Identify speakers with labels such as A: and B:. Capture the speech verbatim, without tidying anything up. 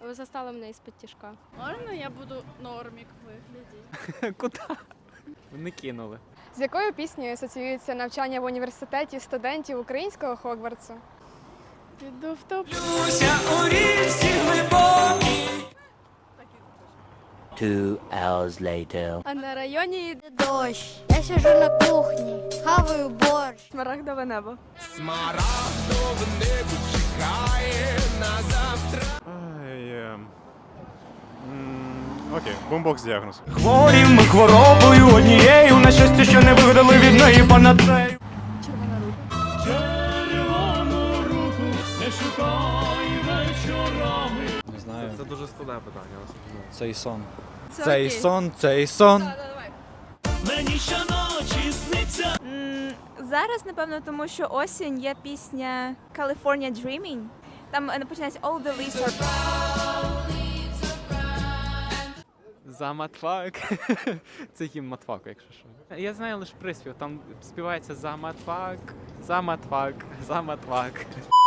A: Ви застали мене із-під тяжка.
B: Можна я буду нормік вигляді?
C: Куди? Не кинули.
D: З якою піснею асоціюється навчання в університеті студентів українського Хогвартсу?
B: Піду в топ.
E: Two hours later.
A: А на районі йде
F: Дощ. Я сижу на кухні, хаваю борщ.
D: Смарагдове небо.
G: Ай, е, м, Окей, бомбокс діагноз.
H: Хворі ми хворобою однією, на щастя, що не вигадали від неї панацею.
D: Червона рука.
H: Червону руку не шукай вечорами.
I: Не знаю.
C: Це дуже складне питання.
I: Цей сон.
D: Це
I: Цей
D: окей.
I: сон, цей сон.
D: Да, да, давай.
H: Мені щоночі сниться.
J: Зараз, напевно, тому що осінь є пісня California Dreaming. Там е, починається All the leaves are
C: За матфак. Це гімн матфаку, якщо що. Я знаю лише приспів, там співається за матфак, за матфак, за матфак.